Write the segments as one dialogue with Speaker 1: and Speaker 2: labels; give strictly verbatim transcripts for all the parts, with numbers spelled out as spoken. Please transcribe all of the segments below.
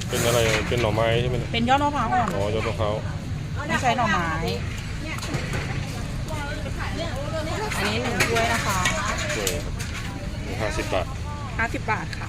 Speaker 1: เป็นอะไรเป็นหน่อไม้ใช่ไหม
Speaker 2: เป็นยอดมะพร้าวอ่อน
Speaker 1: อ๋อยอดมะพร้าว
Speaker 2: ไม่ใช่หน่อไม้อันนี้หนึ่งถ้วยนะคะ
Speaker 1: ถ้วยครับห้าสิบบาท
Speaker 2: ห้าสิบบาทค่ะ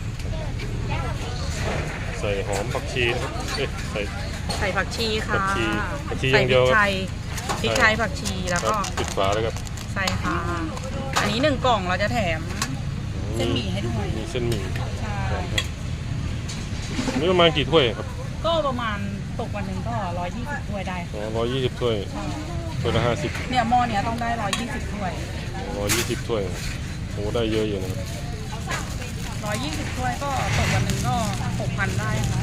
Speaker 1: ใส่หอมผักชีนะครับเอ๊ะใส่
Speaker 2: ใส่ผักชีค่ะ
Speaker 1: ผักชีผักชีอย่างเดียว
Speaker 2: พริกไทยพริกไทยผักชีแล้วก็
Speaker 1: ปิดฝาแล้วครับ
Speaker 2: ใส่ค่ะอันนี้หนึ่งกล่องเราจะแถมเส้นหมี่ให้ด้วย
Speaker 1: มีเส้นหมี่
Speaker 2: ใช่
Speaker 1: นี่ประมาณกี่ถ้วยครับ
Speaker 2: ก็ประมาณตกวันหนึ่งก็ร้อยยี่สิบถ้วยได้
Speaker 1: อ๋อร้อยยี่สิบถ้วยถ้วยละห้าสิบ
Speaker 2: เนี่ยหม้อเนี้ยต้องได้ร้อยยี่สิบถ้วย
Speaker 1: ร้อยยี่สิบถ้วยโอ้ได้เยอะอยู่นะครับ
Speaker 2: ร้อยยี่สิบถ้วยก็ตกวันหนึ่งก็หกพันได้ค่ะ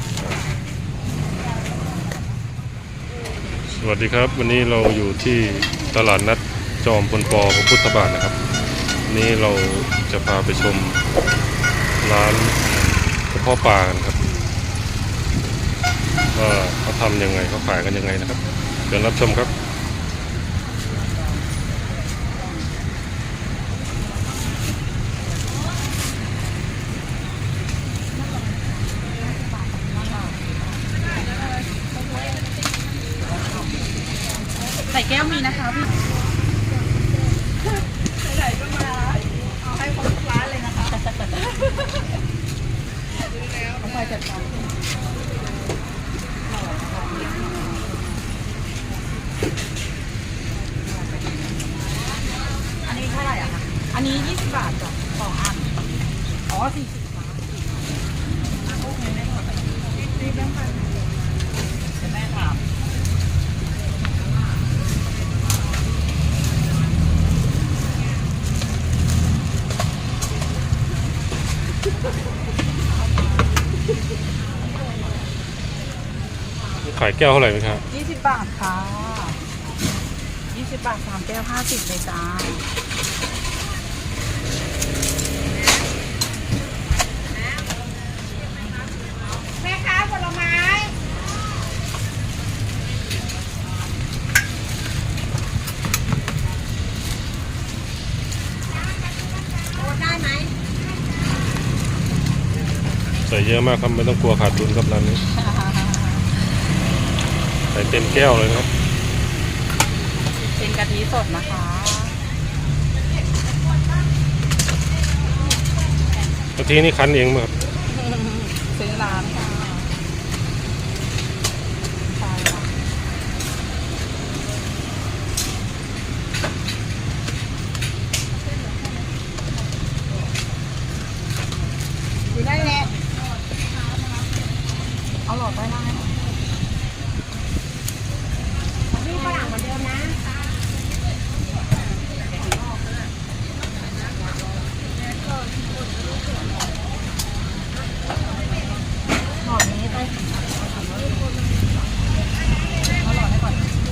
Speaker 1: สวัสดีครับวันนี้เราอยู่ที่ตลาดนัดจอมพลปพระพุทธบาทนะครับนี้เราจะพาไปชมร้านกระเพาะปลากันครับว่าเขาทำยังไงเขาขายกันยังไงนะครับเชิญรับชมครับ
Speaker 2: ใส่แก้วมีนะคะพี่ใส่ก็มาเอาให้ครบทุกร้านเลยนะคะเอาไปจัดการอันนี้เท่าไหร่อะคะอันนี้ยี่สิบบาทจ้ะสองอันอ๋อสี่สิบบาทโอเคได้หมดรีบแบงค์พันจะแม่ถาม
Speaker 1: ขายแก้วเท่าไหร่ไหมครับ
Speaker 2: ยี่สิบบาทค่ะยี่สิบบาทสามแก้วห้าสิบเลยจ้าแม่ค้าผลไม้โอนได้ไหม
Speaker 1: ใส่เยอะมากครับไม่ต้องกลัวขาดทุนครับร้านนี้ใส่เต็มแก้วเลยครับ
Speaker 2: เป็นกะทิสดนะคะ
Speaker 1: กะทินี่คั้นเองมั้ยครับ
Speaker 2: ซื้อร้านค่ะใช่ค่ะดูได้แหละเอาหลอดไปได้นี่ฝรั่งเหมือนเดิมนะหลอดนี้ไปเอาหลอดให้ก่อน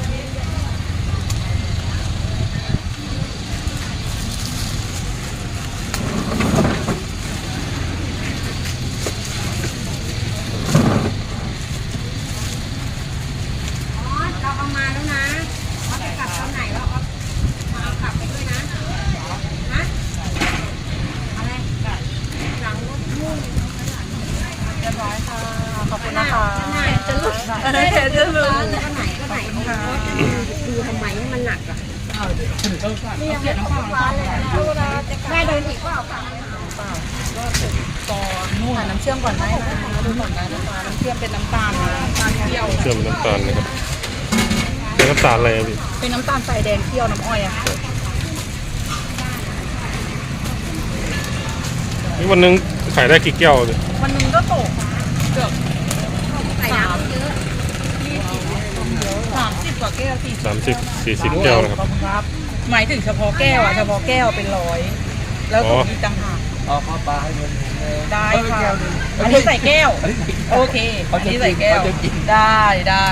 Speaker 2: เราเอามาแล้วนะเอาไปกลับตอนไหนเราเอาเอากลับไปด้วยนะฮะอะไรหลังรถมุ่งเรียบร้อยค่ะขอบคุณนะคะจะลุกจะลุกจะลุกอันไหนก็ไหนดูทำไมให้มันหนักอ่ะนี่ยังไม่ตกปลาเลยแม่เดินอีกเปล่าค่ะก่อนนู่นน้ำเชื่อมก่อนได้นะดูก่อนได้นะคะน้ำเชื่อมเป็นน้ำตาลนะน้ำตาลเคี่ยว
Speaker 1: เชื่อมน้ำตาลนะครับเป็นน้ำตาลอะไรพี่
Speaker 2: เป็นน้ำตาลทรายแดงเคี่ยวน้ำอ้อยอะค่ะ
Speaker 1: นี่วันนึงขายได้กี่แก้วเลย
Speaker 2: วันนึงก็ตกเกือบใส่น้ำเยอะสามสิบกว่าแก้วสี่
Speaker 1: สามสิบสี่สิบแก้วนะครับ
Speaker 2: หมายถึงเฉพาะแก้วอะเฉพาะแก้วเป็นร้อยแล้วตรงนี้ต่างหาก
Speaker 3: เอาข้าวปลาให้มัน
Speaker 2: ได้ค่ะอันนี้ใส่แก้วโอเคอันนี้ใส่แก้วได้ได้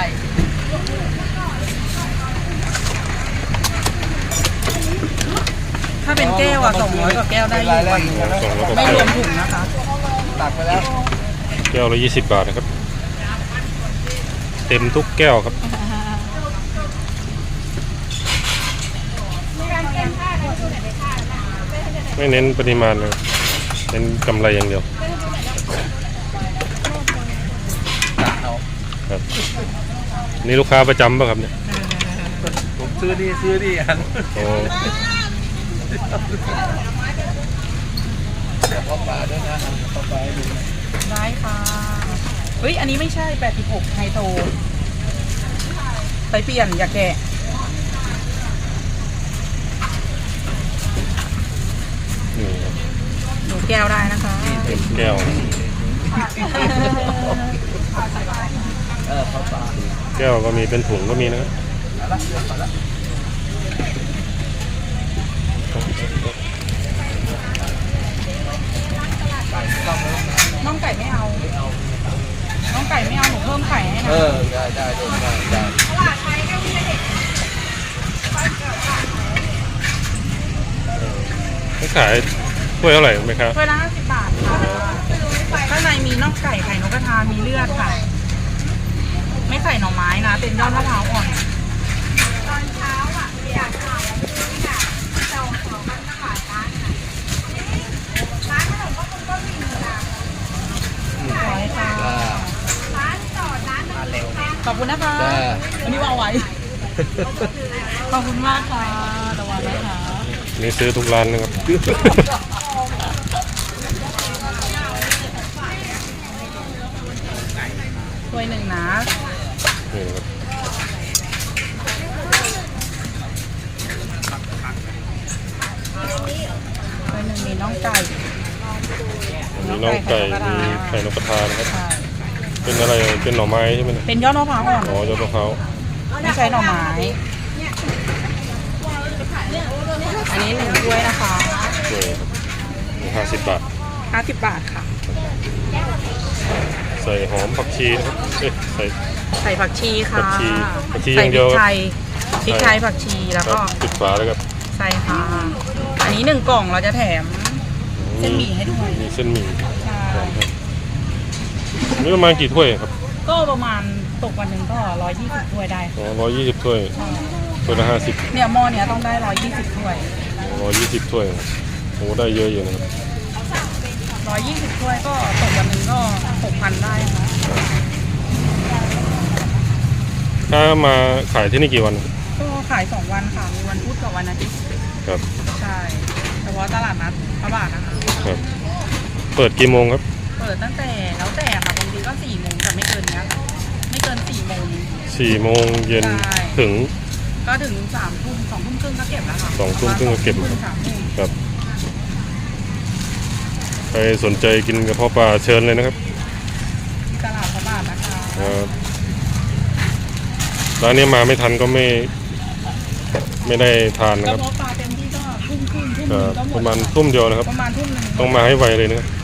Speaker 2: ถ้าเป็นแก้วอะสองร้อยกว่าแก้วได้อยู่วันไม่รวมถุงนะคะ
Speaker 3: ตักไปแล้ว
Speaker 1: แก้วละยี่สิบบาทนะครับเต็มทุกแก้วครับไม่เน้นปริมาณเลยเน้นกำไรอย่างเดียว
Speaker 3: สาม
Speaker 1: ครับนี่ลูกค้าประจำป่ะครับเนี่ย
Speaker 3: ผมซื้อนี่ซื้อนี่อัน
Speaker 1: โอ้
Speaker 3: เดี๋ยวพ่อปลาด้วยนะพ่อปลาให้ดูนะ
Speaker 4: ได้ค่ะเฮ้ยอันนี้ไม่ใช่แปดสิบหกไฮโตไปเปลี่ยนอย่าแกะ
Speaker 1: นี่ครับ
Speaker 4: หนูแก้วได้นะคะ
Speaker 1: เต็มแก้ว
Speaker 3: เออพ่อปลา
Speaker 1: แก้วก็มีเป็นถุงก็มีนะครับ
Speaker 3: เอาละเดี๋ยวก่อนละ
Speaker 4: น้องไก่ไม่เอาน้องไก่ไม่เอาหนูเพิ่มไข่ให้
Speaker 3: เอ
Speaker 4: นะ
Speaker 3: อได้ได้ได้ได้ได้
Speaker 1: ไม่ขายถ้วยเท่าไหร่ไหมครับ
Speaker 4: ถ้วยละห้าสิบบาทค่ะข้างในมีน่องไก่ไข่นกกระทามีเลือดค่ะ ไม่ใส่หน่อไม้นะเป็นยอดมะพร้าวอ่อน
Speaker 2: ตอนเช้าอ่ะอยากขายเนี่ยเราของมันมาขายร้านร้านขนมก็คงก็มีนะ
Speaker 4: ร้อยค่ะ
Speaker 3: จ้า
Speaker 2: ร้านจอดร้านมันเร็ว
Speaker 4: ขอบคุณนะคะ
Speaker 3: จ้า
Speaker 4: วันนี้วางไว้ ขอบคุณมากค่ะระวังนะคะ
Speaker 1: นี่ซื้อทุกร้านนะครับ
Speaker 4: ถ้วยหนึ่งนะ
Speaker 1: นี่ครับ
Speaker 4: ถ้วยหนึ่งมีน่องไก่
Speaker 1: มีน้องไก่มีไข่นกกระทานะครับ
Speaker 4: ใช่
Speaker 1: เป็นอะไรเป็นหน่อไม้ใช่ไหมเนี่ย
Speaker 4: เป็นยอดมะพร้าวอ่อน
Speaker 1: อ๋อยอดมะพร้าว
Speaker 4: ไม่ใช้หน่อไม้ อันนี้หนึ่งถ้วยนะคะ
Speaker 1: นี่ครับห้าสิบบาท
Speaker 4: ห้าสิบบาทค่ะ
Speaker 1: ใส่หอมผักชีนะครับเอ๊ะใส่
Speaker 4: ใส่ผักชีค่ะ
Speaker 1: ผักชีผักชีอ
Speaker 4: ใส่
Speaker 1: ย่าง
Speaker 4: พ
Speaker 1: เดี
Speaker 4: ริ
Speaker 1: ยว
Speaker 4: กไทยพริกไทยผักชีแล้ว
Speaker 1: ครั
Speaker 4: ก็
Speaker 1: บปิดฝาแล้วครับ
Speaker 4: ใส่ค่ะ อันนี้หนึ่งกล่องเราจะแถม เส้นหมี่ให้ด้วย
Speaker 1: มีเส้นหมี่
Speaker 4: ใช่
Speaker 1: ครับนี่ประมาณกี่ถ้วยครับ
Speaker 4: ก็ประมาณตกวันหนึ่งก็ร้อยยี่สิบถ้วยได้
Speaker 1: อ๋อร้อยยี่สิบถ้วยถ้วยละห้าสิบ
Speaker 4: เนี่ยหม้อเนี้ยต้องได้ร้อยยี่สิบถ้วย
Speaker 1: ร้อยยี่สิบถ้วยโอ้ได้เยอะอยู่นะครับ
Speaker 4: ร้อยยี่สิบถ้วยก็ตกวันหนึ่งก็หกพันได้ค่ะ
Speaker 1: ถ้ามาขายที่นี่กี่วัน
Speaker 4: ก็ขายสองวันค่ะ มีวันพุธกับวันอาทิตย์
Speaker 1: ครับ
Speaker 4: ใช่ เฉพาะตลาดนัดพระบาทนะคะ
Speaker 1: ครับ เปิดกี่โมงครับ
Speaker 4: เปิดตั้งแต่แล้วแต่ค่ะบางทีก็สี่โมงแต่ไม่เกินเนี้ยค่ะไม่เกินสี่โมง
Speaker 1: สี่โมงเย็น
Speaker 4: ใช่
Speaker 1: ถึง
Speaker 4: ก็ถึงสามทุ่มสองทุ่มครึ่งก็เก็บแล้วค่ะ
Speaker 1: สองทุ่มครึ่งก็เก็บ
Speaker 4: สองทุ่มสามทุ่ม
Speaker 1: ครับใครสนใจกินกระเพาะปลาเชิญเลยนะครับ
Speaker 4: ที่ตลาดพระบาทนะคะ
Speaker 1: ครับร้านนี้มาไม่ทันก็ไม่ไม่ได้ทานนะ
Speaker 4: ก
Speaker 1: ค
Speaker 4: ระ
Speaker 1: รับ
Speaker 4: เพาะปลาเต็มที่ก็ทุ่มครึ่งทุ่มห
Speaker 1: ค
Speaker 4: นึ
Speaker 1: รั
Speaker 4: ง
Speaker 1: บ
Speaker 4: ก็หม
Speaker 1: ป
Speaker 4: ด
Speaker 1: ระมาณทุ่มเดียวนะครับ
Speaker 4: ประมาณทุ่มหนึง
Speaker 1: ต้องมาให้ไวเลยนะครับ